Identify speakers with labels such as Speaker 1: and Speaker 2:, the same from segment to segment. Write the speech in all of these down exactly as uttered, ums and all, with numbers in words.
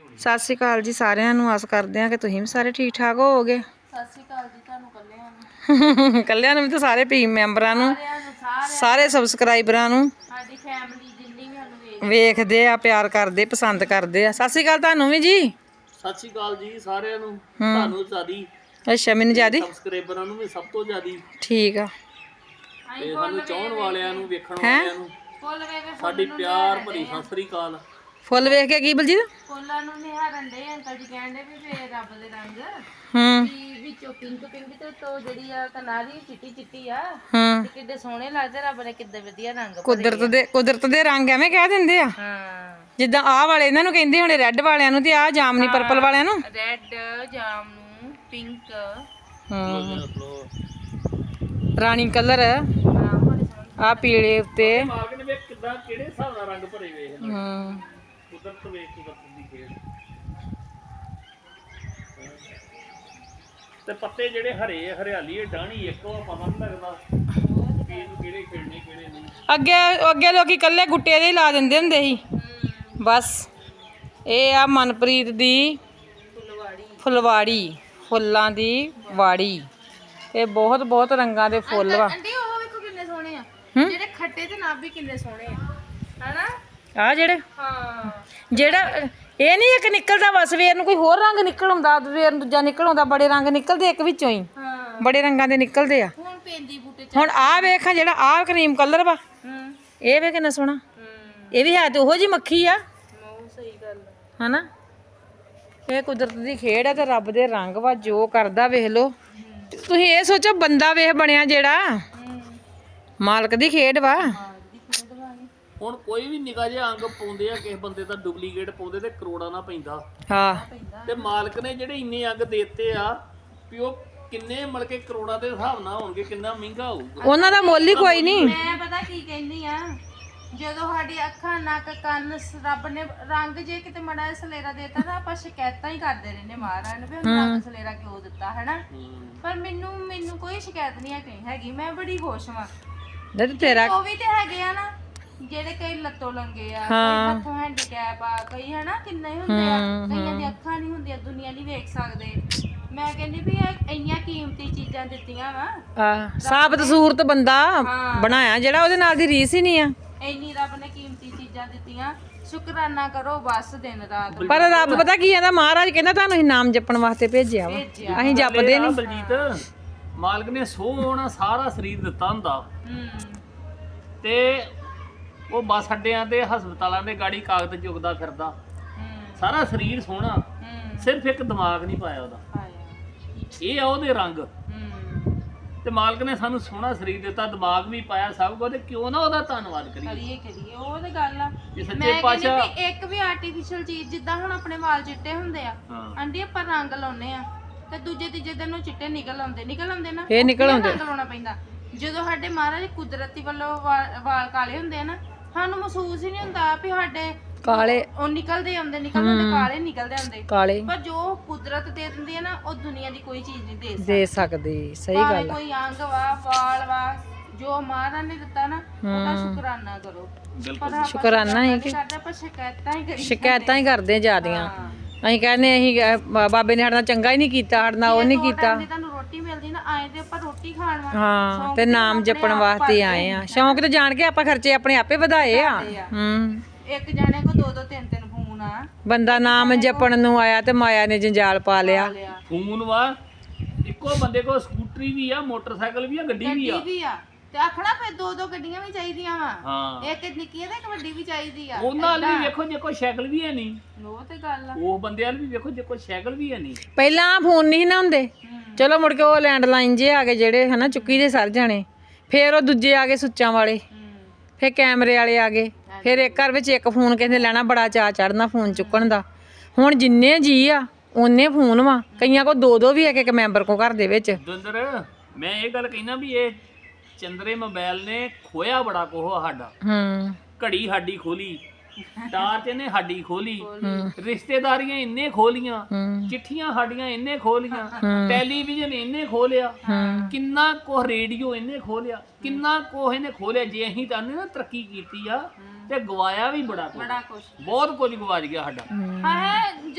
Speaker 1: ਸਤਿ ਸ਼੍ਰੀ ਅਕਾਲ ਜੀ ਸਾਰਿਆਂ ਨੂੰ। ਆਸ ਕਰਦੇ ਹਾਂ ਕਿ ਤੁਸੀਂ ਵੀ ਸਾਰੇ ਠੀਕ ਠਾਕ ਹੋਵੋਗੇ।
Speaker 2: ਸਤਿ ਸ਼੍ਰੀ ਅਕਾਲ ਜੀ ਤੁਹਾਨੂੰ ਕੱਲਿਆਂ ਨੂੰ
Speaker 1: ਕੱਲਿਆਂ ਨੂੰ ਵੀ ਤੇ ਸਾਰੇ ਟੀਮ ਮੈਂਬਰਾਂ ਨੂੰ, ਸਾਰੇ ਸਬਸਕ੍ਰਾਈਬਰਾਂ ਨੂੰ,
Speaker 2: ਸਾਡੀ ਫੈਮਿਲੀ ਜਿੰਨੀ ਵੀ ਸਾਨੂੰ
Speaker 1: ਵੇਖਦੇ ਆ, ਪਿਆਰ ਕਰਦੇ, ਪਸੰਦ ਕਰਦੇ ਆ। ਸਤਿ ਸ਼੍ਰੀ ਅਕਾਲ ਤੁਹਾਨੂੰ ਵੀ ਜੀ।
Speaker 3: ਸਤਿ ਸ਼੍ਰੀ ਅਕਾਲ ਜੀ ਸਾਰਿਆਂ ਨੂੰ। ਤੁਹਾਨੂੰ ਜ਼ਿਆਦੀ
Speaker 1: ਅੱਛਾ, ਮੈਨੂੰ ਜ਼ਿਆਦੀ
Speaker 3: ਸਬਸਕ੍ਰਾਈਬਰਾਂ ਨੂੰ ਵੀ ਸਭ ਤੋਂ ਜ਼ਿਆਦੀ
Speaker 1: ਠੀਕ ਆ।
Speaker 3: ਤੇ ਸਾਨੂੰ ਚਾਹਣ ਵਾਲਿਆਂ ਨੂੰ, ਵੇਖਣ ਵਾਲਿਆਂ ਨੂੰ
Speaker 2: ਫੁੱਲ ਵੇਖ
Speaker 3: ਸਾਡੀ ਪਿਆਰ ਭਰੀ ਸਤਿ ਸ਼੍ਰੀ ਅਕਾਲ।
Speaker 1: ਫੁੱਲ ਵੇਖ ਕੇ ਕੀ ਬਲਜੀਤ?
Speaker 2: ਫੁੱਲਾਂ ਨੂੰ ਨਿਹਾਰਨ ਦੇ ਅੰਕਲ ਜੀ ਕਹਿੰਦੇ ਵੀ ਫੇਰ ਰੱਬ ਦੇ ਰੰਗ
Speaker 1: ਹੂੰ
Speaker 2: ਵੀ ਵਿੱਚੋਂ ਪਿੰਕ ਪਿੰਕ ਤੇ ਤੋਂ ਜਿਹੜੀ ਆ ਕਨਾਰੀ ਚਿੱਟੀ ਚਿੱਟੀ ਆ
Speaker 1: ਹੂੰ
Speaker 2: ਤੇ ਕਿੱਡੇ ਸੋਹਣੇ ਲੱਗਦੇ। ਰੱਬ ਨੇ ਕਿੱਡੇ ਵਧੀਆ ਰੰਗ ਭਰੇ
Speaker 1: ਕੁਦਰਤ ਦੇ ਕੁਦਰਤ ਦੇ ਰੰਗ ਐਵੇਂ ਕਹਿ ਦਿੰਦੇ ਆ।
Speaker 2: ਹਾਂ,
Speaker 1: ਜਿੱਦਾਂ ਆਹ ਵਾਲੇ ਇਹਨਾਂ ਨੂੰ ਕਹਿੰਦੇ ਹੋਣੇ ਰੈੱਡ ਵਾਲਿਆਂ ਨੂੰ, ਤੇ ਆਹ ਜਾਮਨੀ ਪਰਪਲ ਵਾਲਿਆਂ ਨੂੰ
Speaker 2: ਰੈੱਡ, ਜਾਮਨੂ, ਪਿੰਕ।
Speaker 1: ਹੂੰ ਰਾਣੀ ਕਲਰ,
Speaker 2: ਹਾਂ ਬੜੇ ਸੋਹਣੇ।
Speaker 1: ਆਹ ਪੀਲੇ ਉੱਤੇ।
Speaker 3: ਮਾਲਕ ਨੇ ਵੇਖ ਕਿੱਦਾਂ ਕਿਹੜੇ ਹਿਸਾਬ ਨਾਲ ਰੰਗ ਭਰੇ ਵੇਖ
Speaker 1: ਹੂੰ
Speaker 3: ਕੁਦਰਤ ਵੇਖ ਕੁਦਰਤ ਦੀ ਖੇਡ। ਤੇ ਪੱਤੇ ਜਿਹੜੇ ਹਰੇ ਹਰਿਆਲੀ ਡਾਣੀ ਇੱਕ ਉਹ ਪਤਾ ਨਹੀਂ ਲੱਗਦਾ ਵੀ ਇਹਨੂੰ ਕਿਹੜੇ ਖੇਡਣੇ ਕਿਹੜੇ ਨਹੀਂ।
Speaker 1: ਅੱਗੇ ਅੱਗੇ ਲੋਕੀ ਕੱਲੇ ਗੁੱਟੇ ਦੇ ਹੀ ਲਾ ਦਿੰਦੇ ਹੁੰਦੇ ਸੀ ਬਸ। ਇਹ ਆ ਮਨਪ੍ਰੀਤ ਦੀ
Speaker 2: ਫੁੱਲਵਾੜੀ।
Speaker 1: ਫੁਲਵਾੜੀ, ਫੁੱਲਾਂ ਦੀ ਵਾੜੀ। ਇਹ ਬਹੁਤ ਬਹੁਤ ਰੰਗਾਂ ਦੇ ਫੁੱਲ ਵਾ।
Speaker 2: ਆਂਟੀ ਉਹ ਵੇਖੋ ਕਿੰਨੇ ਸੋਹਣੇ ਆ, ਜਿਹੜੇ ਖੱਟੇ ਤੇ ਨਾ ਵੀ ਕਿੰਨੇ ਸੋਹਣੇ ਆ ਹਨਾ।
Speaker 1: ਆ ਜਿਹੜੇ
Speaker 2: ਹਾਂ,
Speaker 1: ਜਿਹੜਾ ਇਹ ਨਹੀਂ ਇੱਕ ਨਿਕਲਦਾ ਵਾ ਸਵੇਰ ਨੂੰ ਕੋਈ ਹੋਰ ਰੰਗ ਨਿਕਲ ਆਉਂਦਾ, ਸਵੇਰ ਨੂੰ ਦੂਜਾ ਨਿਕਲ ਆਉਂਦਾ। ਬੜੇ ਰੰਗ ਨਿਕਲਦੇ ਇੱਕ ਵਿੱਚੋਂ ਹੀ,
Speaker 2: ਹਾਂ
Speaker 1: ਬੜੇ ਰੰਗਾਂ ਦੇ ਨਿਕਲਦੇ ਆ।
Speaker 2: ਹੁਣ ਪੈਂਦੀ ਬੂਟੇ ਚ।
Speaker 1: ਹੁਣ ਆਹ ਵੇਖ ਜਿਹੜਾ ਆਹ ਕਰੀਮ ਕਲਰ ਵਾ,
Speaker 2: ਹੂੰ
Speaker 1: ਇਹ ਵੇ ਕਿੰਨਾ ਸੋਹਣਾ।
Speaker 2: ਹੂੰ
Speaker 1: ਇਹ ਵੀ ਹੈ ਤੇ ਉਹੋ ਜੀ ਮੱਖੀ ਆ
Speaker 2: ਮੋ ਸਹੀ ਗੱਲ
Speaker 1: ਹਨਾ। ਇਹ ਕੁਦਰਤ ਦੀ ਖੇਡ ਆ ਤੇ ਰੱਬ ਦੇ ਰੰਗ ਵਾ, ਜੋ ਕਰਦਾ ਵੇਖ ਲੋ। ਤੁਸੀਂ ਇਹ ਸੋਚੋ ਬੰਦਾ ਵੇਖ ਬਣਿਆ ਜਿਹੜਾ,
Speaker 2: ਹੂੰ
Speaker 1: ਮਾਲਕ ਦੀ ਖੇਡ ਵਾ।
Speaker 2: ਦੀ ਖੇਡ ਵਾਲੀ।
Speaker 3: ਹੁਣ ਕੋਈ ਵੀ ਨਿੱਕਾ ਜਿਹਾ ਅੰਗ ਪਾਉਂਦੇ ਆ ਕਿਸੇ ਬੰਦੇ ਦਾ ਡੁਪਲੀਕੇਟ ਪਾਉਂਦੇ ਤੇ ਕਰੋੜਾਂ ਨਾ ਪੈਂਦਾ।
Speaker 1: ਹਾਂ
Speaker 3: ਤੇ ਮਾਲਕ ਨੇ ਜਿਹੜੇ ਇੰਨੇ ਅੰਗ ਦੇਤੇ ਆ ਵੀ ਉਹ ਕਿੰਨੇ ਮਤਲਬ ਕਿ ਕਰੋੜਾਂ ਦੇ ਹਿਸਾਬ ਨਾਲ ਹੋਣਗੇ, ਕਿੰਨਾ ਮਹਿੰਗਾ ਹੋਊਗਾ।
Speaker 1: ਉਹਨਾਂ ਦਾ ਮੁੱਲ ਹੀ ਕੋਈ ਨਹੀਂ।
Speaker 2: ਮੈਂ ਪਤਾ ਕੀ ਕਹਿੰਦੀ ਆ, ਜਦੋਂ ਸਾਡੀ ਅੱਖਾਂ, ਨੱਕ, ਕੰਨ ਰੱਬ ਨੇ ਰੰਗ ਜੇ ਕਿਤੇ ਮੜਾ ਜਿਹਾ ਸਲੇਰਾ ਦੇਤਾ ਨਾ, ਆਪਾਂ ਸ਼ਿਕਾਇਤਾਂ ਹੀ ਕਰਦੇ ਰਹਿੰਦੇ ਮਹਾਰਾਜ ਨੂੰ ਵੀ ਉਹਨੂੰ ਰੰਗ ਸਲੇਰਾ ਕਿਉਂ ਦਿੱਤਾ ਹਨਾ। ਪਰ ਮੈਨੂੰ ਮੈਨੂੰ ਕੋਈ ਸ਼ਿਕਾਇਤ ਨਹੀਂ ਹੈ ਹੈਗੀ। ਮੈਂ ਬੜੀ ਖੁਸ਼ ਹਾਂ।
Speaker 1: ਨਹੀਂ ਤੇਰਾ
Speaker 2: ਉਹ ਵੀ ਤੇ ਹੈਗੇ ਆ ਨਾ ਜਿਹੜੇ ਕਈ ਲੱਤੋਂ ਲੰਗੇ ਆ, ਕਈ ਹੱਥੋਂ ਹੈਂਡੀਕੈਪ ਆ, ਕਈ ਹਨਾ ਕਿੰਨੇ ਹੀ ਹੁੰਦੇ ਆ। ਕਈਆਂ ਦੀ ਅੱਖਾਂ ਨਹੀਂ ਹੁੰਦੀਆਂ, ਦੁਨੀਆ ਨਹੀਂ ਵੇਖ ਸਕਦੇ। ਮੈਂ ਕਹਿੰਦੀ ਵੀ ਇਹ ਇੰਨੀਆਂ ਕੀਮਤੀ ਚੀਜ਼ਾਂ ਦਿੱਤੀਆਂ ਵਾ,
Speaker 1: ਆ ਸਾਬਤ ਸੂਰਤ ਬੰਦਾ ਬਣਾਇਆ ਜਿਹੜਾ, ਉਹਦੇ ਨਾਲ ਦੀ ਰੀਸ ਹੀ ਨਹੀਂ ਆ।
Speaker 2: ਇੰਨੀ ਰੱਬ ਨੇ ਕੀਮਤੀ ਚੀਜ਼ਾਂ ਦਿੱਤੀਆਂ, ਸ਼ੁਕਰਾਨਾ ਕਰੋ ਬਸ ਦਿਨ ਰਾਤ।
Speaker 1: ਪਰ ਰੱਬ ਪਤਾ ਕੀ ਕਹਿੰਦਾ, ਮਹਾਰਾਜ ਕਹਿੰਦਾ ਤੁਹਾਨੂੰ ਅਸੀਂ ਨਾਮ ਜਪਣ ਵਾਸਤੇ ਭੇਜਿਆ ਵਾ, ਅਸੀਂ ਜਪਦੇ ਨਹੀਂ।
Speaker 3: ਬਲਜੀਤ ਮਾਲਕ ਨੇ ਸੋਹਣਾ ਸਾਰਾ ਸਰੀਰ ਦਿੱਤਾ ਹੁੰਦਾ
Speaker 2: ਹੂੰ
Speaker 3: ਤੇ ਉਹ ਬੱਸ ਅੱਡਿਆਂ ਤੇ ਹਸਪਤਾਲਾਂ ਦੇ ਗਾੜੀ ਕਾਗਜ਼ ਚੁੱਕਦਾ ਫਿਰਦਾ।
Speaker 2: ਹੂੰ
Speaker 3: ਸਾਰਾ ਸਰੀਰ ਸੋਹਣਾ,
Speaker 2: ਹੂੰ
Speaker 3: ਸਿਰਫ ਇੱਕ ਦਿਮਾਗ ਨਹੀਂ ਪਾਇਆ ਉਹਦਾ।
Speaker 2: ਆਇਆ।
Speaker 3: ਇਹ ਆ ਉਹਦੇ ਰੰਗ।
Speaker 2: ਹੂੰ
Speaker 3: ਤੇ ਮਾਲਕ ਨੇ ਸਾਨੂੰ ਸੋਹਣਾ ਸਰੀਰ ਦਿੱਤਾ, ਦਿਮਾਗ ਵੀ ਪਾਇਆ, ਸਭ ਕੁਝ। ਤੇ ਕਿਉਂ ਨਾ ਉਹਦਾ ਧੰਨਵਾਦ ਕਰੀਏ।
Speaker 2: ਕਰੀਏ ਕਰੀਏ ਉਹ ਤੇ ਗੱਲ ਆ।
Speaker 3: ਜੇ ਸੱਚੇ
Speaker 2: ਮੈਂ ਕਹਿੰਦੀ
Speaker 3: ਪਾਤਸ਼ਾਹ
Speaker 2: ਵੀ ਇੱਕ ਵੀ ਆਰਟੀਫੀਸ਼ੀਅਲ ਚੀਜ਼, ਜਿੱਦਾਂ ਹੁਣ ਆਪਣੇ ਵਾਲ ਚਿੱਟੇ ਹੁੰਦੇ ਆ,
Speaker 3: ਹਾਂ
Speaker 2: ਆਂਟੀ ਆਪਾਂ ਰੰਗ ਲਾਉਨੇ ਆ ਤੇ ਦੂਜੇ ਤੀਜੇ ਦਿਨ ਨੂੰ ਚਿੱਟੇ ਨਿਕਲ ਆਉਂਦੇ ਨਿਕਲ ਆਉਂਦੇ ਨਾ।
Speaker 1: ਇਹ ਨਿਕਲ ਆਉਂਦੇ।
Speaker 2: ਰੰਗ ਲਾਉਣਾ ਪੈਂਦਾ। ਜਦੋਂ ਸਾਡੇ ਮਹਾਰਾਜ ਕੁਦਰਤੀ ਵੱਲੋਂ ਵਾ- ਵਾਲ ਕਾਲੇ ਹੁੰਦੇ ਆ ਨਾ, ਸਾਨੂੰ ਮਹਿਸੂਸ ਹੀ ਨਹੀਂ ਹੁੰਦਾ ਵੀ ਸਾਡੇ
Speaker 1: ਕਾਲੇ
Speaker 2: ਉਹ ਨਿਕਲਦੇ ਆਉਂਦੇ ਨਿਕਲਦੇ ਆਉਂਦੇ ਕਾਲੇ ਨਿਕਲਦੇ ਆਉਂਦੇ।
Speaker 1: ਕਾਲੇ
Speaker 2: ਪਰ ਜੋ ਕੁਦਰਤ ਦੇ ਦਿੰਦੀ ਹੈ ਨਾ, ਉਹ ਦੁਨੀਆ ਦੀ ਕੋਈ ਚੀਜ਼ ਨਹੀਂ ਦੇ ਸਕਦੀ।
Speaker 1: ਦੇ ਸਕਦੇ, ਸਹੀ
Speaker 2: ਭਾਵੇਂ
Speaker 1: ਗੱਲ ਆ।
Speaker 2: ਕੋਈ ਅੰਗ ਵਾ, ਵਾਲ ਵਾ, ਜੋ ਮਹਾਰਾਜ ਨੇ ਦਿੱਤਾ ਨਾ, ਉਹਦਾ ਸ਼ੁਕਰਾਨਾ ਕਰੋ। ਪਰ ਆਪਾਂ
Speaker 1: ਸ਼ੁਕਰਾਨਾ ਹੀ ਕਿ
Speaker 2: ਕਰਦੇ, ਆਪਾਂ ਸ਼ਿਕਾਇਤਾਂ ਹੀ ਕਰੀ
Speaker 1: ਸ਼ਿਕਾਇਤਾਂ ਹੀ ਕਰਦੇ ਆ ਜਿਆਦੀਆਂ।
Speaker 2: ਹਾਂ।
Speaker 1: ਅਸੀਂ ਕਹਿੰਦੇ ਅਸੀਂ ਅਹ, ਬਾਬੇ ਨੇ ਸਾਡੇ ਨਾਲ ਚੰਗਾ ਹੀ ਨਹੀਂ ਕੀਤਾ, ਸਾਡੇ ਨਾਲ ਉਹ ਨਹੀਂ ਕੀਤਾ।
Speaker 2: ਜੇ ਤੁਹਾਨੂੰ ਰੋਟੀ ਮਿਲਦੀ ਨਾ, ਆਏ ਤੇ ਆਪਾਂ ਰੋਟੀ ਖਾਣ ਵਾ।
Speaker 1: ਹਾਂ ਤੇ ਨਾਮ ਜਪਣ ਵਾਸਤੇ ਆਏ ਆ। ਸ਼ੌਂਕ ਤੇ ਜਾਣ ਕੇ ਆਪਾਂ ਖਰਚੇ ਆਪਣੇ ਆਪੇ ਵਧਾਏ ਆ। ਹੂੰ
Speaker 2: ਇੱਕ ਜਾਣੇ ਕੋ ਦੋ ਦੋ ਤਿੰਨ ਤਿੰਨ ਫੋਨ ਆ।
Speaker 1: ਬੰਦਾ ਨਾਮ ਜਪਣ ਨੂੰ ਆਇਆ ਤੇ ਮਾਇਆ ਨੇ ਜੰਜਾਲ ਪਾ ਲਿਆ।
Speaker 2: ਲਿਆ
Speaker 3: ਫੋਨ ਵਾ, ਇੱਕੋ ਬੰਦੇ ਕੋਲ ਸਕੂਟਰੀ ਵੀ ਆ, ਮੋਟਰਸਾਈਕਲ ਵੀ ਆ, ਗੱਡੀ ਵੀ ਆ।
Speaker 2: ਗੱਡੀ ਵੀ ਆ ਤੇ ਆਖਣਾ ਫਿਰ ਦੋ ਦੋ ਗੱਡੀਆਂ ਵੀ ਚਾਹੀਦੀਆਂ ਵਾ।
Speaker 3: ਹਾਂ
Speaker 2: ਇੱਕ ਨਿੱਕੀ ਆ ਤੇ ਇੱਕ ਵੱਡੀ ਵੀ ਚਾਹੀਦੀ ਆ।
Speaker 3: ਉਹਨਾਂ ਨਾਲ ਵੀ ਵੇਖੋ ਜੇ ਕੋਈ ਸਾਈਕਲ ਵੀ ਹੈ ਨਹੀਂ,
Speaker 2: ਉਹ ਤੇ ਗੱਲ ਆ।
Speaker 3: ਉਹ ਬੰਦਿਆਂ ਨੂੰ ਵੀ ਵੇਖੋ ਜੇ ਕੋਈ ਸਾਈਕਲ ਵੀ ਹੈ ਨਹੀਂ।
Speaker 1: ਪਹਿਲਾਂ ਫੋਨ ਨਹੀਂ ਨਾ ਹੁੰਦੇ, ਚਲੋ ਮੁੜ ਕੇ ਉਹ ਲੈਂਡਲਾਈਨ ਜੇ ਆ ਗਏ ਜਿਹੜੇ ਹਨਾ, ਚੁੱਕੀ ਦੇ ਸਰ ਜਾਣੇ। ਫਿਰ ਉਹ ਦੂਜੇ ਆ ਗਏ ਸੁੱਚਾਂ ਵਾਲੇ, ਫਿਰ ਕੈਮਰੇ ਵਾਲੇ ਆ ਗਏ। ਫਿਰ ਇੱਕ ਘਰ ਵਿੱਚ ਇੱਕ ਫੋਨ ਕਿਸੇ ਨੇ ਲੈਣਾ, ਬੜਾ ਚਾਅ ਚੜਨਾ ਫੋਨ ਚੁੱਕਣ ਦਾ। ਹੁਣ ਜਿੰਨੇ ਜੀ ਆ ਉਹਨੇ ਫੋਨ ਵਾ, ਕਈਆਂ ਕੋ ਦੋ ਦੋ ਵੀ ਇੱਕ ਇੱਕ ਮੈਂਬਰ ਕੋ ਘਰ ਦੇ ਵਿੱਚ।
Speaker 3: ਦੁੰਦਰ ਮੈਂ ਇਹ ਗੱਲ ਕਹਿਣਾ ਵੀ ਇਹ ਚੰਦਰੇ ਮੋਬਾਈਲ ਨੇ ਖੋਇਆ ਬੜਾ ਕੋਹ ਸਾਡਾ।
Speaker 1: ਹੂੰ
Speaker 3: ਘੜੀ ਸਾਡੀ ਖੋਲੀ, ਟਾਰਚ ਇਹਨੇ ਸਾਡੀ ਖੋਲੀ, ਰਿਸ਼ਤੇਦਾਰੀਆਂ ਇੰਨੇ ਖੋਲੀਆਂ, ਚਿੱਠੀਆਂ ਸਾਡੀਆਂ ਇੰਨੇ ਖੋਲੀਆਂ, ਟੈਲੀਵਿਜ਼ਨ ਇੰਨੇ ਖੋਲਿਆ, ਕਿੰਨਾ ਕੁ ਰੇਡੀਓ ਇਹਨੇ ਖੋਲਿਆ, ਕਿੰਨਾ ਕੁ ਇਹਨੇ ਖੋਲਿਆ। ਜੇ ਅਸੀਂ ਤਾਂ ਨਾ ਤਰੱਕੀ ਕੀਤੀ ਆ ਤੇ ਗਵਾਇਆ ਵੀ ਬੜਾ ਕੁਝ,
Speaker 2: ਬੜਾ ਕੁਛ
Speaker 3: ਬਹੁਤ ਕੁਝ ਗਵਾਚ ਗਿਆ ਸਾਡਾ।
Speaker 2: ਹਾਂ ਜਦੋਂ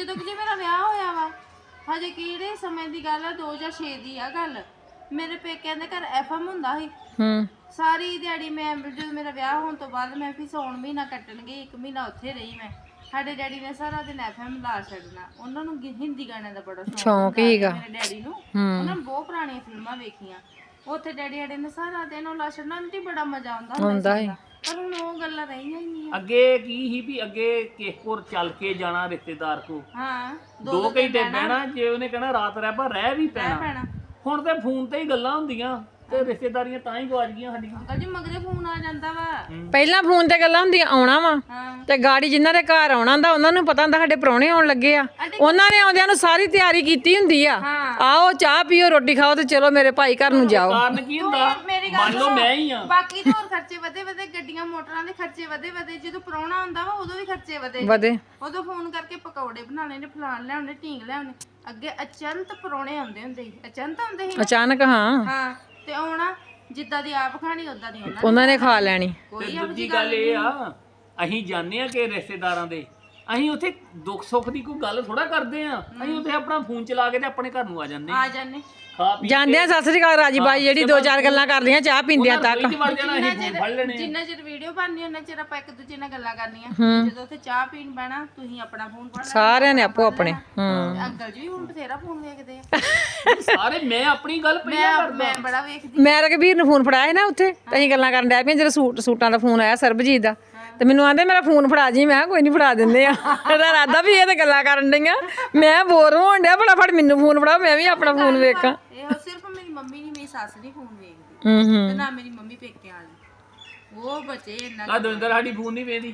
Speaker 2: ਜਦੋਂ ਕਿ ਜੇ ਮੇਰਾ ਵਿਆਹ ਹੋਇਆ ਵਾ ਹਜੇ ਕਿਹੜੇ ਸਮੇਂ ਦੀ ਗੱਲ ਆ ਦੋ ਹਜ਼ਾਰ ਛੇ ਦੀ ਆ ਗੱਲ ਮੇਰੇ ਪੇਕਿਆਂ ਦੇ ਘਰ ਐਫਐਮ ਹੁੰਦਾ ਸੀ
Speaker 1: ਹੂੰ
Speaker 2: ਸਾਰੀ ਦਿਹਾੜੀ ਮੈਂ ਜਦੋਂ ਮੇਰਾ ਵਿਆਹ ਹੋਣ ਤੋਂ ਬਾਅਦ ਮੈਂ ਵੀ ਸੌਣ ਮਹੀਨਾ ਕੱਟਣ ਗਈ ਇੱਕ ਮਹੀਨਾ ਉੱਥੇ ਰਹੀ ਮੈਂ ਸਾਡੇ ਡੈਡੀ ਨੇ ਸਾਰਾ ਦਿਨ ਐਫਐਮ ਲਾ ਛੱਡਣਾ ਉਹਨਾਂ ਨੂੰ ਗੀ- ਹਿੰਦੀ ਗਾਣਿਆਂ ਦਾ ਬੜਾ
Speaker 1: ਸ਼ੌਂਕ ਹੀਗਾ
Speaker 2: ਮੇਰੇ ਡੈਡੀ ਨੂੰ ਉਹਨਾਂ ਨੇ ਬਹੁਤ ਪੁਰਾਣੀਆਂ ਫਿਲਮਾਂ ਵੇਖੀਆਂ ਉੱਥੇ ਡੈਡੀ ਸਾਡੇ ਨੇ ਸਾਰਾ ਦਿਨ ਉਹ ਲਾ ਛੱਡਣਾ ਆਂਟੀ ਬੜਾ ਮਜ਼ਾ ਆਉਂਦਾ ਹੁੰਦਾ ਸੀ ਪਰ ਹੁਣ ਉਹ ਗੱਲਾਂ ਰਹੀਆਂ ਹੀ ਨਹੀਂ
Speaker 3: ਅੱਗੇ ਕੀ ਸੀ ਵੀ ਅੱਗੇ ਕਿਸੇ ਕੋਲ ਚੱਲ ਕੇ ਜਾਣਾ ਰਿਸ਼ਤੇਦਾਰ ਕੋ
Speaker 2: ਹਾਂ
Speaker 3: ਦੋ ਘੰਟੇ ਬਹਿਣਾ ਜੇ ਉਹਨੇ ਕਹਿਣਾ ਰਾਤ ਰਹਿ ਪਾ ਰਹਿ ਵੀ ਪੈਣਾ
Speaker 2: ਭੈਣਾ
Speaker 3: ਹੁਣ ਤੇ ਫੋਨ ਤੇ ਹੀ ਗੱਲਾਂ ਹੁੰਦੀਆਂ ਤੇ ਰਿਸ਼ਤੇਦਾਰੀਆਂ ਤਾਂ ਹੀ ਗਵਾਚ ਗਈਆਂ ਸਾਡੀਆਂ
Speaker 2: ਅੰਕਲ ਜੀ ਮਗਰੇ ਫੋਨ ਆ ਜਾਂਦਾ ਵਾ
Speaker 1: ਪਹਿਲਾਂ ਫੋਨ ਤੇ ਗੱਲਾਂ ਹੁੰਦੀਆਂ ਆਉਣਾ ਵਾ
Speaker 2: ਹਾਂ
Speaker 1: ਤੇ ਗਾੜੀ ਜਿਨ੍ਹਾਂ ਦੇ ਘਰ ਆਉਣਾ ਹੁੰਦਾ ਉਹਨਾਂ ਨੂੰ ਪਤਾ ਹੁੰਦਾ ਸਾਡੇ ਪ੍ਰਾਹੁਣੇ ਆਉਣ ਲੱਗੇ ਆ ਉਹਨਾਂ ਨੇ ਆਉਂਦਿਆਂ ਨੂੰ ਸਾਰੀ ਤਿਆਰੀ ਕੀਤੀ ਹੁੰਦੀ ਆ ਆਓ ਚਾਹ ਪੀਓ ਰੋਟੀ ਖਾਓ ਤੇ ਚਲੋ ਮੇਰੇ ਭਾਈ ਘਰ ਨੂੰ ਜਾਓ
Speaker 3: ਕਾਰਨ ਕੀ ਹੁੰਦਾ
Speaker 2: ਮੇਰੀ
Speaker 3: ਮੰਨ ਲਓ ਮੈਂ ਹੀ ਆ
Speaker 2: ਬਾਕੀ ਤਾਂ ਹੋਰ ਖਰਚੇ ਵਧੇ ਵਧੇ ਗੱਡੀਆਂ ਮੋਟਰਾਂ ਦੇ ਖਰਚੇ ਵਧੇ ਵਧੇ ਜਦੋਂ ਪ੍ਰਾਹੁਣਾ ਹੁੰਦਾ ਵਾ ਉਦੋਂ ਵੀ ਖਰਚੇ ਵਧੇ
Speaker 1: ਵਧੇ
Speaker 2: ਉਦੋਂ ਫੋਨ ਕਰਕੇ ਪਕੌੜੇ ਬਣਾ ਲੈਣੇ ਫਲਾਣ ਲਿਆਉਣੇ ਢੀਂਗ ਲਿਆਉਣੇ ਅੱਗੇ ਅਚੰਤ ਪ੍ਰਾਹੁਣੇ ਆਉਂਦੇ ਹੁੰਦੇ ਸੀ ਅਚੰਤ ਆਉਂਦੇ ਸੀ
Speaker 1: ਅਚਾਨਕ ਹਾਂ
Speaker 2: ਹਾਂ ਤੇ ਆਉਣਾ ਜਿੱਦਾਂ ਦੀ ਆਪ ਖਾਣੀ ਉਦਾਂ ਦੀ ਉਹਨਾਂ
Speaker 1: ਉਹਨਾਂ ਨੇ ਖਾ ਲੈਣੀ
Speaker 3: ਤੇ ਦੂਜੀ ਗੱਲ ਇਹ ਆ ਅਸੀਂ ਜਾਣਦੇ ਆ ਕਿ ਰਿਸ਼ਤੇਦਾਰਾਂ ਦੇ ਅਸੀਂ ਉੱਥੇ ਦੁੱਖ ਸੁੱਖ ਦੀ ਕੋਈ ਗੱਲ ਥੋੜਾ ਕਰਦੇ ਆ ਅਸੀਂ ਉੱਥੇ ਆਪਣਾ ਫੋਨ ਚਲਾ ਕੇ ਤੇ ਆਪਣੇ ਘਰ ਨੂੰ ਆ ਜਾਂਦੇ
Speaker 2: ਆ ਜਾਂਦੇ
Speaker 3: ਖਾ ਪੀ
Speaker 1: ਜਾਂਦੇ ਆ ਸਤਿ ਸ੍ਰੀ ਅਕਾਲ ਰਾਜੀ ਬਾਈ ਜਿਹੜੀ ਦੋ ਚਾਰ ਗੱਲਾਂ ਕਰਦੀਆਂ ਚਾਹ ਪੀਂਦਿਆਂ ਤੱਕ
Speaker 3: ਫ੍ਰਿਜ ਵੜ ਜਾਣਾ ਅਸੀਂ ਫੋਨ ਫੜ ਲੈਣੇ
Speaker 2: ਜਿੰਨਾ ਚਿਰ ਵੀਡੀਓ ਬਣਨੀ ਉਹਨਾਂ ਚਿਰ ਆਪਾਂ ਇੱਕ ਦੂਜੇ ਨਾਲ ਗੱਲਾਂ ਕਰਨੀਆਂ ਜਦੋਂ ਉੱਥੇ ਚਾਹ ਪੀਣ ਬਹਿਣਾ ਤੁਸੀਂ ਆਪਣਾ ਫੋਨ ਫੜ ਲੈਣਾ
Speaker 1: ਸਾਰਿਆਂ ਨੇ ਆਪੋ ਆਪਣੇ ਹੂੰ
Speaker 2: ਅੰਕਲ ਜੀ ਵੀ ਹੁਣ ਬਥੇਰਾ ਫੋਨ ਵੇਖਦੇ ਆ
Speaker 3: ਸਾਰੇ ਮੈਂ ਆਪਣੀ ਗੱਲ ਪਹਿਲਾਂ
Speaker 2: ਮੈਂ
Speaker 3: ਕਰਦਾ
Speaker 2: ਮੈਂ ਬੜਾ ਵੇਖਦੀ
Speaker 1: ਮੈਂ ਰਘਬੀਰ ਨੂੰ ਫੋਨ ਫੜਾਇਆ ਸੀ ਨਾ ਉੱਥੇ ਤੇ ਅਸੀਂ ਗੱਲਾਂ ਕਰਨ ਡੈ ਪਈਆਂ ਜਦੋਂ ਸੂਟ ਸੂਟਾਂ ਦਾ ਫੋਨ ਆਇਆ ਸਰਬਜੀਤ ਦਾ ਤੇ ਮੈਨੂੰ ਆਂਦੇ ਮੇਰਾ ਫੋਨ ਫੜਾ ਜੀ ਮੈਂ ਕਿਹਾ ਕੋਈ ਨਹੀਂ ਫੜਾ ਦਿੰਦੇ ਆ ਇਹਦਾ ਇਰਾਦਾ ਵੀ ਇਹ ਤੇ ਗੱਲਾਂ ਕਰਨ ਡਈਆਂ ਮੈਂ ਬੋਰ ਹੋਣ ਡਿਆ ਫਟਾਫਟ ਮੈਨੂੰ ਫੋਨ ਫੜਾਓ ਮੈਂ ਵੀ ਆਪਣਾ ਫੋਨ ਵੇਖਾਂ
Speaker 2: ਇਹੋ ਸਿਰਫ ਮੇਰੀ ਮੰਮੀ ਨਹੀਂ ਮੇਰੀ ਸੱਸ ਨਹੀਂ ਫੋਨ ਵੇਖਦੀ
Speaker 1: ਹੂੰ ਹੂੰ
Speaker 2: ਤੇ ਨਾ ਮੇਰੀ ਮੰਮੀ ਪੇਕਿਆਂ ਵਾਲੀ ਉਹ ਬੱਚੇ ਇੰਨਾ
Speaker 3: ਆ ਦਵਿੰਦਰ ਸਾਡੀ ਫੋਨ ਨਹੀਂ ਵੇਖਦੀ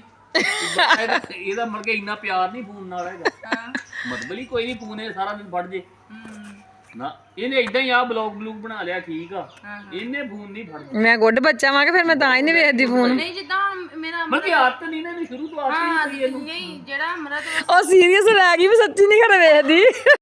Speaker 3: ਇਹਦਾ ਮਤਲਬ ਕਿ ਇੰਨਾ ਪਿਆਰ ਨਹੀਂ ਫੋਨ ਨਾਲ ਹੈਗਾ
Speaker 2: ਹਾਂ
Speaker 3: ਮਤਲਬ ਹੀ ਕੋਈ ਨਹੀਂ ਫੋਨ ਇਹ ਸਾਰਾ ਦਿਨ ਫੜ ਜੇ
Speaker 2: ਹੂੰ
Speaker 3: ਨਾ ਇਹਨੇ ਇਦਾਂ ਹੀ ਆ ਬਲੌਗ ਬਲੂਗ ਬਣਾ ਲਿਆ ਠੀਕ ਆ ਇਹਨੇ ਫੋਨ ਨਹੀਂ ਫੜਦਾ
Speaker 1: ਮੈਂ ਗੁੱਡ ਬੱਚਾ ਵਾਂ ਕਿ ਫਿਰ ਮੈਂ ਤਾਂ ਹੀ ਨਹੀਂ ਵੇਖਦੀ ਫੋਨ
Speaker 2: ਨਹੀਂ ਜਿੱਦਾਂ ਮੇਰਾ
Speaker 3: ਮਤਲਬ ਕਿ ਆਦਤ ਨਹੀਂ ਨਾ ਇਹਨੂੰ ਸ਼ੁਰੂ ਤੋਂ ਆਦਤ ਨਹੀਂ
Speaker 2: ਹਾਂ
Speaker 3: ਪਈ ਇਹਨੂੰ
Speaker 2: ਨਹੀਂ ਜਿਹੜਾ ਅਮਰਤ
Speaker 1: ਉਹ ਸੀਰੀਅਸ ਲੈ ਗਈ ਵੀ ਸੱਚੀ ਨਹੀਂ ਘਰ ਵੇਖਦੀ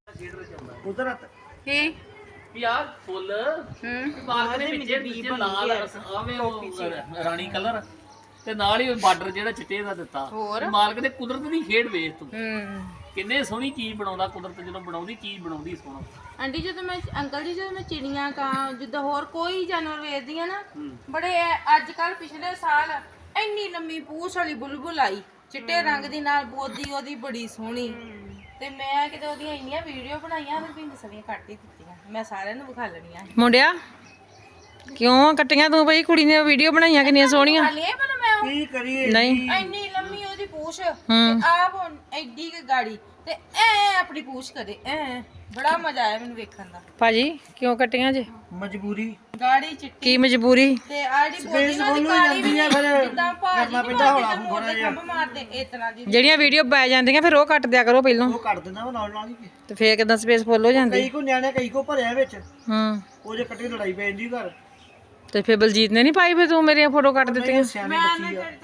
Speaker 3: ਉਧਰ
Speaker 2: ਕੀ
Speaker 3: ਯਾਰ ਫੁੱਲ
Speaker 2: ਹੂੰ
Speaker 3: ਬਾਹਰ ਦੇ ਵਿੱਚ ਵਿੱਚ ਲਾਲ ਆਵੇਂ ਉਹ ਰਾਣੀ ਕਲਰ ਤੇ ਨਾਲ ਹੀ ਬਾਰਡਰ ਜਿਹੜਾ ਚਿੱਟੇ ਦਾ ਦਿੱਤਾ
Speaker 2: ਹੋਰ?
Speaker 3: ਮਾਲਕ ਦੇ ਕੁਦਰਤ ਦੀ ਖੇਡ ਵੇਖ ਤੂੰ
Speaker 2: ਹੂੰ
Speaker 3: ਕਿੰਨੇ ਸੋਹਣੀ ਚੀਜ਼ ਬਣਾਉਂਦਾ ਕੁਦਰਤ ਜਦੋਂ ਬਣਾਉਂਦੀ ਚੀਜ਼ ਬਣਾਉਂਦੀ ਸੋਹਣਾ
Speaker 2: ਆਂਟੀ ਜਦੋਂ ਮੈਂ ਅੰਕਲ ਜੀ ਜਦੋਂ ਮੈਂ ਚਿੜੀਆਂ ਕਾਂ ਜਿੱਦਾਂ ਹੋਰ ਕੋਈ ਜਾਨਵਰ ਵੇਖਦੀ ਆ ਨਾ ਬੜੇ ਅੱਜ ਕੱਲ ਪਿਛਲੇ ਸਾਲ ਇੰਨੀ ਲੰਮੀ ਪੂਛ ਵਾਲੀ ਬੁਲਬੁਲ ਆਈ ਚਿੱਟੇ ਰੰਗ ਦੀ ਨਾਲ ਬੋਦੀ ਉਹਦੀ ਬੜੀ ਸੋਹਣੀ ਤੇ ਮੈਂ ਕਿਤੇ ਉਹਦੀਆਂ ਇੰਨੀਆਂ ਵੀਡੀਓ ਬਣਾਈਆਂ ਤੇ ਪਿੰਡ ਸਰੀਆਂ ਕੱਟ ਹੀ ਦਿੱਤੀਆਂ ਮੈਂ ਸਾਰਿਆਂ ਨੂੰ ਵਿਖਾ ਲੈਣੀਆਂ
Speaker 1: ਮੁੰਡਿਆ ਕਿਉਂ ਕੱਟੀਆਂ ਤੂੰ ਬਈ ਕੁੜੀ ਨੇ ਵੀਡੀਓ ਬਣਾਈਆਂ ਕਿੰਨੀਆਂ ਸੋਹਣੀਆਂ
Speaker 2: ਖਾਲੀ ਪਰ ਮੈਂ ਉਹ
Speaker 3: ਕੀ ਕਰੀਏ
Speaker 1: ਨਹੀਂ
Speaker 2: ਇੰਨੀ ਲੰਮੀ ਉਹਦੀ ਪੂਛ ਤੇ ਆਪ ਹੁਣ ਐਡੀ ਕੁ ਗਾੜੀ ਤੇ ਐ ਆਪਣੀ ਪੂਛ ਕਰੇ ਐ ਬੜਾ ਮਜ਼ਾ ਆਇਆ ਮੈਨੂੰ ਵੇਖਣ ਦਾ
Speaker 1: ਭਾਜੀ ਕਿਉਂ ਕੱਟੀਆਂ ਜੇ
Speaker 4: ਮਜਬੂਰੀ
Speaker 2: ਗਾੜੀ ਚਿੱਟੀ
Speaker 1: ਕੀ ਮਜਬੂਰੀ
Speaker 2: ਤੇ ਆੜੀ ਬੋਦੀ ਨਾਲ ਦੀ ਕਾਲੀ ਵੀ ਨਹੀਂ ਜਿੱਦਾਂ ਭਾਜੀ ਨਹੀਂ ਮਾਰਦੇ ਮੋਟੇ ਖੰਭ ਮਾਰਦੇ ਇਸ ਤਰ੍ਹਾਂ ਦੀ
Speaker 1: ਜਿਹੜੀਆਂ ਵੀਡੀਓ ਪੈ ਜਾਂਦੀਆਂ ਫਿਰ ਉਹ ਕੱਟ ਦਿਆ ਕਰੋ ਪਹਿਲਾਂ
Speaker 4: ਉਹ ਕੱਟ ਦਿੰਦਾ ਵਾ ਨਾਲ ਨਾਲ ਹੀ
Speaker 1: ਤੇ ਫੇਰ ਕਿਦਾਂ ਸਪੇਸ ਫੁੱਲ ਹੋ ਜਾਂਦੀ
Speaker 4: ਕਈ ਕੋ ਨਿਆਣੇ ਕਈ ਕੋ ਭਰਿਆ ਵਿੱਚ
Speaker 1: ਹੂੰ
Speaker 4: ਉਹ ਜੇ ਕੱਟੀ ਲੜਾਈ ਪੈ ਜਾਂਦੀ ਘਰ
Speaker 1: ਤੇ ਫੇਰ ਬਲਜੀਤ ਨੇ ਨਹੀਂ ਪਾਈ ਫੇ ਤੂੰ ਮੇਰੀਆਂ ਫੋਟੋ ਕੱਟ ਦਿੱਤੀਆਂ
Speaker 4: ਸਿਆਣੀ ਬੱਚੀ ਆ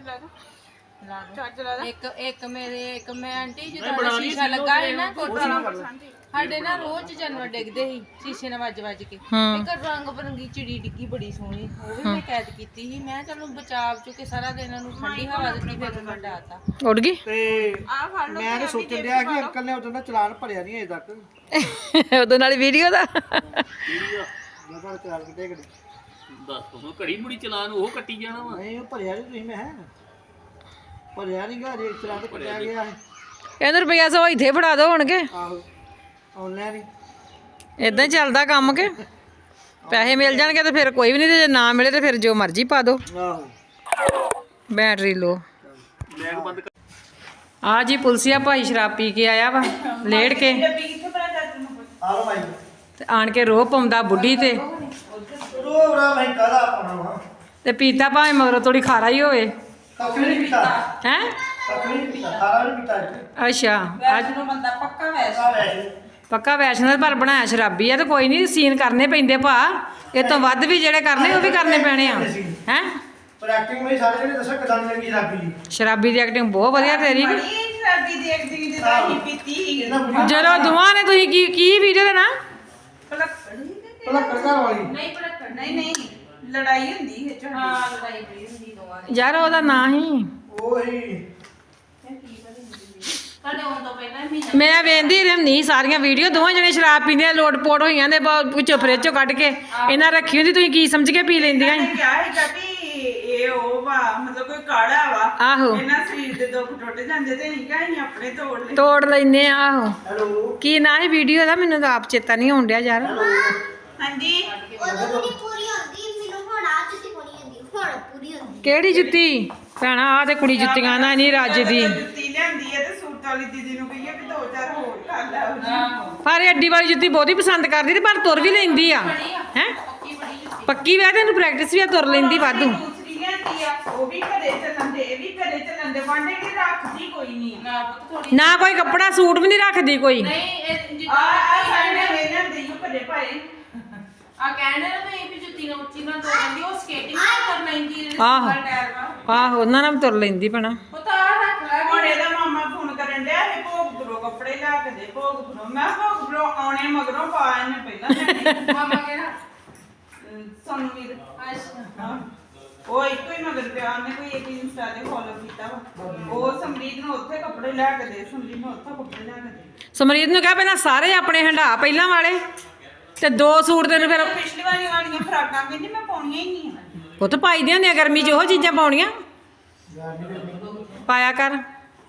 Speaker 2: ਇੱਕ ਇੱਕ ਮੇਰੇ ਇੱਕ ਮੈਂ ਆਂਟੀ ਜਦੋਂ ਸ਼ੀਸ਼ਾ ਲੱਗਾ ਸੀ ਨਾ ਕੋਠਾ ਸਾਡੇ ਨਾਲ ਰੋਜ਼ ਜਾਨਵਰ ਡਿੱਗਦੇ ਸੀ ਸ਼ੀਸ਼ੇ ਨਾਲ ਵੱਜ ਵੱਜ ਕੇ ਇੱਕ ਰੰਗ ਬਰੰਗੀ ਚਿੜੀ ਡਿੱਗੀ ਬੜੀ ਸੋਹਣੀ ਉਹ ਵੀ ਮੈਂ ਕੈਦ ਕੀਤੀ ਸੀ ਮੈਂ ਚਲੋ ਬਚਾਵ ਚੁੱਕੇ ਸਾਰਾ ਦਿਨ ਉਹਨੂੰ ਠੰਡੀ ਹਵਾ ਦਿੱਤੀ ਫਿਰ ਮੈਂ ਡਾਤਾ
Speaker 1: ਉੱਡ ਗਈ
Speaker 4: ਤੇ
Speaker 2: ਆ ਫੜ ਲਓ
Speaker 4: ਮੈਂ ਤਾਂ ਸੋਚਣ ਡਿਆ ਕਿ ਅੰਕਲ ਨੇ ਉਦੋਂ ਦਾ ਚਲਾਨ ਭਰਿਆ ਨਹੀਂ ਅਜੇ ਤੱਕ
Speaker 1: ਉਹਦੇ ਨਾਲ ਵੀਡੀਓ ਦਾ
Speaker 4: ਮੈਂ ਤਾਂ ਚਲਾਨ ਕਿੱਡੇ ਕਿੱਡੇ
Speaker 3: ਦੱਸ ਹੁਣ ਘੜੀ ਮੁੜੀ ਚਲਾਨ ਉਹ ਕੱਟੀ ਜਾਣਾ ਵਾ
Speaker 4: ਨਹੀਂ ਉਹ ਭਰਿਆ ਨਹੀਂ ਤੁਸੀਂ ਮੈਂ ਹੈ ਭਰਿਆ ਨਹੀਂ ਗਾ ਜੇ ਚਲਾਨ ਤਾਂ ਕੱਟਿਆ ਗਿਆ ਹੈ
Speaker 1: ਇਹਨੂੰ ਰੁਪਈਆ ਸੌ ਇੱਥੇ ਫੜਾ ਦੋ ਹੋਣਗੇ
Speaker 4: ਆਹੋ ਆਨਲਾਈਨ ਹੀ
Speaker 1: ਇਦਾਂ ਹੀ ਚੱਲਦਾ ਕੰਮ ਕੇ ਪੈਸੇ ਮਿਲ ਜਾਣਗੇ ਤੇ ਫਿਰ ਕੋਈ ਵੀ ਨਹੀਂ ਤੇ ਜੇ ਨਾ ਮਿਲੇ ਤੇ ਫਿਰ ਜੋ ਮਰਜ਼ੀ ਪਾ ਦੋ
Speaker 4: ਆਹੋ
Speaker 1: ਬੈਟਰੀ ਲੋ
Speaker 3: ਬੈਗ ਬੰਦ ਕਰ
Speaker 1: ਆ ਜੀ ਪੁਲਸੀਆ ਭਾਈ ਸ਼ਰਾਬ ਪੀ ਕੇ ਆਇਆ ਵਾ ਲੇੜ ਕੇ
Speaker 4: ਆਲੋ ਭਾਈ
Speaker 1: ਤੇ ਆਣ ਕੇ ਰੋਹ ਪਾਉਂਦਾ ਬੁੱਢੀ ਤੇ
Speaker 4: ਰੋਵਰਾ ਭਾਈ ਕਾਲਾ ਪਾਣਾ ਵਾ
Speaker 1: ਤੇ ਪੀਤਾ ਭਾਵੇਂ ਮਗਰੋਂ ਥੋੜੀ ਖਾਰਾ ਹੀ ਹੋਵੇ
Speaker 4: ਕੱਖ ਨਹੀਂ ਪੀਤਾ
Speaker 1: ਹੈ
Speaker 4: ਕੱਖ ਨਹੀਂ ਪੀਤਾ ਖਾਰਾ ਨਹੀਂ ਪੀਤਾ ਇੱਥੇ
Speaker 1: ਅੱਛਾ ਅੱਜ
Speaker 2: ਬੰਦਾ ਪੱਕਾ ਵੈਸ
Speaker 4: ਆ ਵੈਸੇ
Speaker 1: ਪੱਕਾ ਵੈਸ਼ਨੋ ਪਰ ਬਣਾਇਆ ਸ਼ਰਾਬੀ ਆ ਤੇ ਕੋਈ ਨਹੀਂ ਸੀਨ ਕਰਨੇ ਪੈਂਦੇ ਭਾ ਇਹ ਤੋਂ ਵੱਧ ਵੀ ਜਿਹੜੇ ਕਰਨੇ ਉਹ ਵੀ ਕਰਨੇ ਪੈਣੇ ਆ ਹੈ
Speaker 4: ਪਰ ਐਕਟਿੰਗ ਮੇਰੀ ਸਾਰੇ ਜਿਹੜੇ ਦੱਸਿਆ ਕਿਦਾਂ ਦੀ ਲੱਗੀ ਸ਼ਰਾਬੀ ਦੀ
Speaker 1: ਸ਼ਰਾਬੀ ਦੀ ਐਕਟਿੰਗ ਬਹੁਤ ਵਧੀਆ ਤੇਰੀ ਵੀ
Speaker 2: ਸ਼ਰਾਬੀ ਦੇਖਦੀ ਤੇ ਤਾਂ ਹੀ ਪੀਤੀ ਸੀ
Speaker 4: ਇਹਨਾਂ ਬੁੜੀ
Speaker 1: ਜਦੋਂ ਦੋਵਾਂ ਨੇ ਤੁਸੀਂ ਕੀ ਕੀ ਵੀਡੀਓ ਦੇ ਨਾ
Speaker 4: ਪਹਿਲਾਂ ਕਰਦਾ ਵਾਲੀ
Speaker 2: ਨਹੀਂ ਪੜਕ ਨਹੀਂ ਨਹੀਂ ਲੜਾਈ ਹੁੰਦੀ ਹੈ ਹਾਂ ਲੜਾਈ ਹੁੰਦੀ ਦੋਵਾਂ ਦੀ
Speaker 1: ਯਾਰ ਉਹਦਾ ਨਾਂ ਹੀ
Speaker 4: ਉਹ ਹੀ
Speaker 2: ਤੁਹਾਡੇ ਆਉਣ ਤੋਂ ਪਹਿਲਾਂ ਹੀ ਮਹੀਨਾ
Speaker 1: ਮੈਂ ਵੇਂਦੀ ਰਹਿੰਦੀ ਸਾਰੀਆਂ ਵੀਡੀਓ ਦੋਵਾਂ ਜਣੇ ਸ਼ਰਾਬ ਪੀਂਦੇ ਆ ਲੋਟ ਪੋਟ ਹੋਈਆਂ ਨੇ ਵਿੱਚੋਂ ਫਰਿੱਜ ਚੋਂ ਕੱਢ ਕੇ ਇਹਨਾਂ ਰੱਖੀ ਹੁੰਦੀ ਤੁਸੀਂ ਕੀ ਸਮਝ ਕੇ ਪੀ ਲੈਂਦੀਆਂ ਸੀ?
Speaker 5: ਕਿਹਾ ਹੈਗਾ ਵੀ ਇਹ ਉਹ ਵਾ ਮਤਲਬ ਕੋਈ ਕਾੜਾ ਵਾ
Speaker 1: ਆਹੋ
Speaker 5: ਇਹਨਾਂ ਸਰੀਰ ਦੇ ਦੁੱਖ ਟੁੱਟ ਜਾਂਦੇ ਤੇ ਨਹੀਂ ਕਹੀਂ ਆਪਣੇ ਤੋੜ ਲੈ
Speaker 1: ਤੋੜ ਲੈਨੇ ਆ ਆਹੋ
Speaker 4: ਹੈਲੋ
Speaker 1: ਕੀ ਨਾ ਇਹ ਵੀਡੀਓ ਦਾ ਮੈਨੂੰ ਤਾਂ ਆਪ ਚੇਤਾ ਨਹੀਂ ਆਉਣ ਡਿਆ ਯਾਰ
Speaker 5: ਹਾਂਜੀ
Speaker 6: ਉਦੋਂ ਨਹੀਂ ਪੂਰੀ ਹੁੰਦੀ ਮੈਨੂੰ ਹੁਣ ਆ ਜੁੱਤੀ ਪੂਰੀ ਹੁੰਦੀ ਹੁਣ ਪੂਰੀ ਹੁੰਦੀ
Speaker 1: ਕਿਹੜੀ ਜੁੱਤੀ ਭੈਣਾ ਆ ਤੇ ਕੁੜੀ ਜੁੱਤੀਆਂ ਨਾ ਨਹੀਂ ਰੱਜ ਦੀ
Speaker 5: ਜੁੱਤੀ ਲਿਆਂਦੀ ਹੈ ਤੇ ਸੂਟ ਵਾਲੀ ਦੀਦੀ ਨੂੰ ਕਹੀਏ ਵੀ ਦੋ ਚਾਰ ਹੋਰ ਕਰ ਲੈ ਉਹਦੀ
Speaker 1: ਪਰ ਇਹ ਅੱਡੀ ਵਾਲੀ ਜੁੱਤੀ ਬਹੁਤੀ ਪਸੰਦ ਕਰਦੀ ਤੇ ਪਰ ਤੁਰ ਵੀ ਲੈਂਦੀ ਆ ਹੈ ਪੱਕੀ ਵੈ ਤੈਨੂੰ ਪ੍ਰੈਕਟਿਸ ਵੀ ਆ ਤੁਰ ਲੈਂਦੀ ਵਾਧੂ
Speaker 5: ਦੂਸਰੀ ਲਿਆਂਦੀ ਆ ਉਹ ਵੀ ਘਰੇ ਚੱਲਣ ਦੇ ਇਹ ਵੀ ਘਰੇ ਚੱਲਣ ਦੇ ਵਾਂਡੇ ਕਿ ਰੱਖਦੀ ਕੋਈ ਨਹੀਂ
Speaker 2: ਨਾ ਪੁੱਤ ਥੋੜੀ
Speaker 1: ਨਾ ਕੋਈ ਕੱਪੜਾ ਸੂਟ ਵੀ ਨਹੀਂ ਰੱਖਦੀ ਕੋਈ
Speaker 2: ਨਹੀਂ ਇਹ
Speaker 5: ਆ
Speaker 2: ਜਿੱਦਾਂ
Speaker 5: ਆ ਸਾਡੇ ਨੇ ਲਿਆਂਦੀ ਉਹ ਘਰੇ ਪਾਏ
Speaker 2: ਆ ਕਹਿੰਦੇ ਨਾ ਵੀ ਵੀ ਜੁੱਤੀ ਨਾਲ ਉੱਚੀ ਨਾਲ ਤੋੜ ਲੈਂਦੀ ਉਹ ਸਕੇਟਿੰਗ ਕਰ ਲੈਂਦੀ
Speaker 1: ਆਹੋ।
Speaker 2: ਟਾਇਰ ਨਾਲ
Speaker 1: ਆਹੋ ਉਹਨਾਂ ਨਾਲ ਵੀ ਤੁਰ ਲੈਂਦੀ ਭੈਣਾ
Speaker 2: ਪੁੱਤ ਆ ਰੱਖ ਲੈ
Speaker 5: ਹੁਣ ਇਹਦਾ ਮਾਮਾ ਫੋਨ ਕਰਨ ਡਿਆ ਇਹ ਭੋਗਪੁਰੋਂ ਕੱਪੜੇ ਲਿਆ ਕੇ ਦੇ ਭੋਗਪੁਰੋਂ ਮੈਂ ਭੋਗਪੁਰੋਂ ਆਉਣੇ ਮਗਰੋਂ ਪਾ ਇਹਨੇ ਪਹਿਲਾਂ
Speaker 2: ਮਾਮਾ ਕਿਹੜਾ
Speaker 5: ਸਾਨੂੰ ਵੀਰ
Speaker 2: ਅੱਛਾ
Speaker 5: ਉਹ ਇੱਕੋ ਹੀ ਮਗਰ ਪਿਆ ਉਹਨੇ ਕੋਈ ਇੱਕ ਇੰਸਟਾ ਤੇ ਫੋਲੋ ਕੀਤਾ ਵਾ ਉਹ ਸਮਰੀਤ ਨੂੰ ਉੱਥੇ ਕੱਪੜੇ ਲੈ ਕੇ ਦੇ ਸਮਰੀਤ ਨੂੰ ਉੱਥੇ ਕੱਪੜੇ ਲੈ ਕੇ ਦੇ
Speaker 1: ਸਮਰੀਤ ਨੂੰ ਕਹਿ ਪਹਿਲਾਂ ਸਾਰੇ ਆਪਣੇ ਹੰਡਾ ਪਹਿਲਾਂ ਵਾਲੇ ਤੇ ਦੋ ਸੂਟ ਤੈਨੂੰ ਫਿਰ
Speaker 5: ਪਿਛਲੀ ਵਾਰੀ ਵਾਲੀਆਂ ਫਰਾਕਾਂ ਕਹਿੰਦੀ ਮੈਂ ਪਾਉਣੀਆਂ ਹੀ ਨਹੀਂ ਆ
Speaker 1: ਪੁੱਤ ਪਾਈ ਦੀਆਂ ਹੁੰਦੀਆਂ ਗਰਮੀ 'ਚ ਉਹ ਚੀਜ਼ਾਂ ਪਾਉਣੀਆਂ ਪਾਇਆ ਕਰ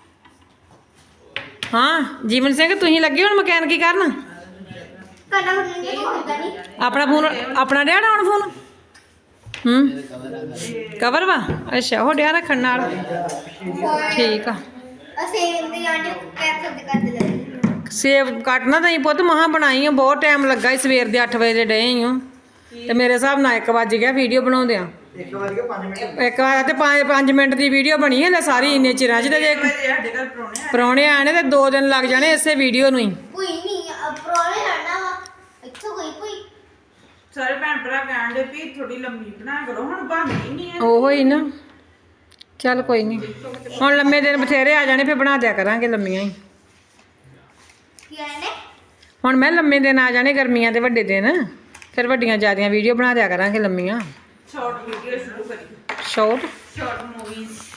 Speaker 1: ਹਾਂ ਜੀਵਨ ਸਿੰਘ ਤੁਸੀਂ ਲੱਗੇ ਹੁਣ ਮਕੈਨਿਕੀ ਕਰਨ
Speaker 6: ਕਰਨਾ ਹੁਣ ਨਹੀਂ ਹੁੰਦਾ ਨਹੀਂ
Speaker 1: ਆਪਣਾ ਫੋਨ ਆਪਣਾ ਡਿਆ ਡਾਉਣ ਫੋਨ ਹੂੰ ਕਵਰ ਵਾ ਅੱਛਾ ਉਹ ਡਿਆ ਰੱਖਣ ਨਾਲ ਠੀਕ ਆ
Speaker 6: ਅਸੀਂ ਇਹਦੇ ਆਂਡੇ ਕੈਪਸੂਲ ਦੇ ਕਰ ਦੇ ਲੈ
Speaker 1: ਸੇਵ ਕੱਟਣਾ ਤਾਂ ਹੀ ਪੁੱਤ ਮਹਾਂ ਬਣਾਈ ਆ ਬਹੁਤ ਟਾਈਮ ਲੱਗਾ ਸੀ ਸਵੇਰ ਦੇ ਅੱਠ ਵਜੇ ਦੇ ਡਏ ਹੀ ਹਾਂ ਤੇ ਮੇਰੇ ਹਿਸਾਬ ਨਾਲ ਇੱਕ ਵੱਜ ਗਿਆ ਵੀਡੀਓ ਬਣਾਉਂਦਿਆਂ
Speaker 4: ਇੱਕ ਵਾਰ ਕੇ ਪੰਜ ਮਿੰਟ
Speaker 1: ਇੱਕ ਵਾਰ ਤੇ ਪੰਜ ਪੰਜ ਮਿੰਟ ਦੀ ਵੀਡੀਓ ਬਣੀ ਹੈ ਲੈ ਸਾਰੀ ਇੰਨੇ ਚਿਰਾਂ 'ਚ ਤੇ ਜੇ
Speaker 5: ਮੇਰੇ ਸਾਡੇ ਘਰ ਪਰੋਣੇ ਆ
Speaker 1: ਪ੍ਰਾਹੁਣੇ ਆਣੇ ਤੇ ਦੋ ਦਿਨ ਲੱਗ ਜਾਣੇ ਇਸੇ ਵੀਡੀਓ ਨੂੰ ਹੀ
Speaker 6: ਕੋਈ ਨਹੀਂ ਪ੍ਰੋਲੇ ਲੜਨਾ ਵਾ ਇੱਥੋਂ ਕੋਈ ਕੋਈ
Speaker 5: ਸਾਰੇ ਭੈਣ ਭਰਾ ਕਹਿਣ ਦੇ ਵੀ ਥੋੜੀ ਲੰਮੀ ਬਣਾ ਕਰੋ ਹੁਣ ਬਣਦੀ ਨਹੀਂ ਹੈ
Speaker 1: ਉਹੋ ਹੀ ਨਾ ਚੱਲ ਕੋਈ ਨਹੀਂ ਹੁਣ ਲੰਮੇ ਦਿਨ ਬਥੇਰੇ ਆ ਜਾਣੇ ਫਿਰ ਬਣਾ ਦਿਆ ਕਰਾਂਗੇ ਲੰਮੀਆਂ ਹੀ
Speaker 6: ਕੀ ਆਏ ਨੇ
Speaker 1: ਹੁਣ ਮੈਂ ਲੰਮੇ ਦਿਨ ਆ ਜਾਣੇ ਗਰਮੀਆਂ ਦੇ ਵੱਡੇ ਦਿਨ ਫਿਰ ਵੱਡੀਆਂ ਜ਼ਿਆਦੀਆਂ ਵੀਡੀਓ ਬਣਾ ਦਿਆ ਕਰਾਂਗੇ ਲੰਮੀਆਂ
Speaker 5: ਸ਼ਾਰਟ ਵੀਡੀਓ ਸ਼ੁਰੂ ਕਰੀ
Speaker 1: ਸ਼ਾਰਟ
Speaker 5: ਸ਼ਾਰਟ ਮੂਵੀਜ਼